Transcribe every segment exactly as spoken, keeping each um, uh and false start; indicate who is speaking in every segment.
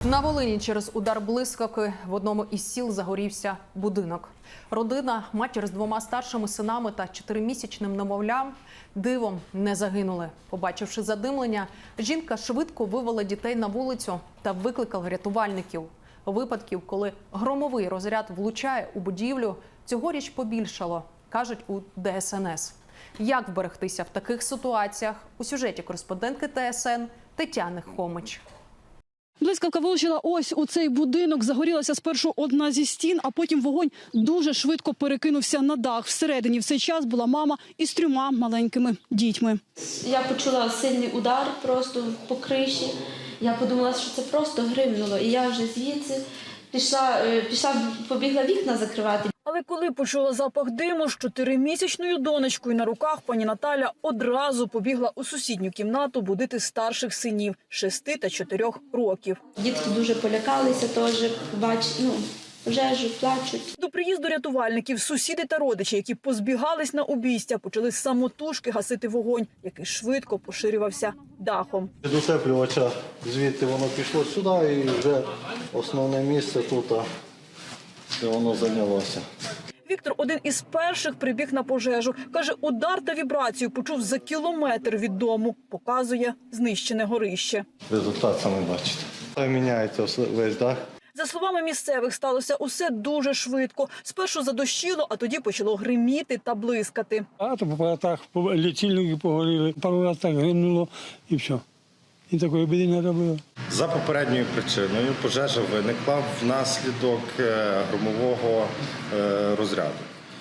Speaker 1: На Волині через удар блискавки в одному із сіл загорівся будинок. Родина, матір з двома старшими синами та чотиримісячним немовлям дивом не загинули. Побачивши задимлення, жінка швидко вивела дітей на вулицю та викликала рятувальників. Випадків, коли громовий розряд влучає у будівлю, цьогоріч побільшало, кажуть у Де Ес Ен Ес. Як вберегтися в таких ситуаціях? У сюжеті кореспондентки Те Ес Ен Тетяни Хомич.
Speaker 2: Блискавка влучила ось у цей будинок. Загорілася спершу одна зі стін, а потім вогонь дуже швидко перекинувся на дах. Всередині в цей час була мама із трьома маленькими дітьми.
Speaker 3: Я почула сильний удар просто по криші. Я подумала, що це просто гримнуло. І я вже звідси пішла, пішла побігла вікна закривати.
Speaker 2: Але коли почула запах диму з чотиримісячною донечкою на руках, пані Наталя одразу побігла у сусідню кімнату будити старших синів – шести та чотирьох років.
Speaker 3: Дітки дуже полякалися теж, бач, ну, пожежу, плачуть.
Speaker 2: До приїзду рятувальників сусіди та родичі, які позбігались на обійстя, почали самотужки гасити вогонь, який швидко поширювався дахом.
Speaker 4: Від утеплювача звідти воно пішло сюди і вже основне місце тут, де воно зайнялося.
Speaker 2: Віктор один із перших прибіг на пожежу. Каже, удар та вібрацію почув за кілометр від дому. Показує знищене горище.
Speaker 4: Результат саме бачите. Міняється весь дах.
Speaker 2: За словами місцевих, сталося усе дуже швидко. Спершу задощило, а тоді почало гриміти та блискати.
Speaker 5: А то по апаратах лічильники погоріли, пару разів так гримнуло і все. І такої біди не робило.
Speaker 6: За попередньою причиною пожежа виникла внаслідок громового розряду,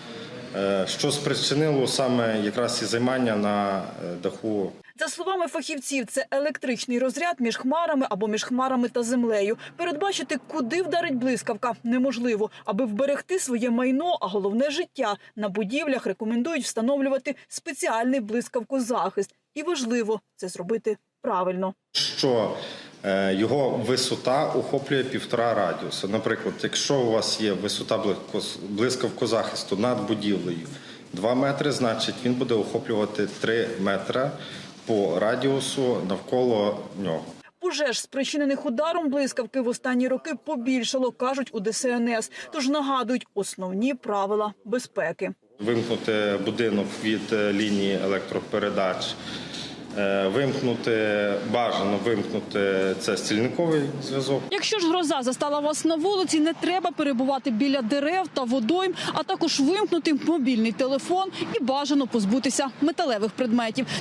Speaker 6: що спричинило саме якраз і займання на даху.
Speaker 2: За словами фахівців, це електричний розряд між хмарами або між хмарами та землею. Передбачити, куди вдарить блискавка, неможливо. Аби вберегти своє майно, а головне – життя, на будівлях рекомендують встановлювати спеціальний блискавкозахист. І важливо це зробити правильно.
Speaker 6: Що його висота охоплює півтора радіуса. Наприклад, якщо у вас є висота блискавкозахисту над будівлею два метри, значить він буде охоплювати три метри по радіусу навколо нього.
Speaker 2: Пожеж, спричинених ударом блискавки, в останні роки побільшало, кажуть у Де Ес Ен Ес. Тож нагадують основні правила безпеки.
Speaker 6: Вимкнути будинок від лінії електропередач, вимкнути, бажано вимкнути це стільниковий зв'язок.
Speaker 2: Якщо ж гроза застала вас на вулиці, не треба перебувати біля дерев та водойм, а також вимкнути мобільний телефон і бажано позбутися металевих предметів.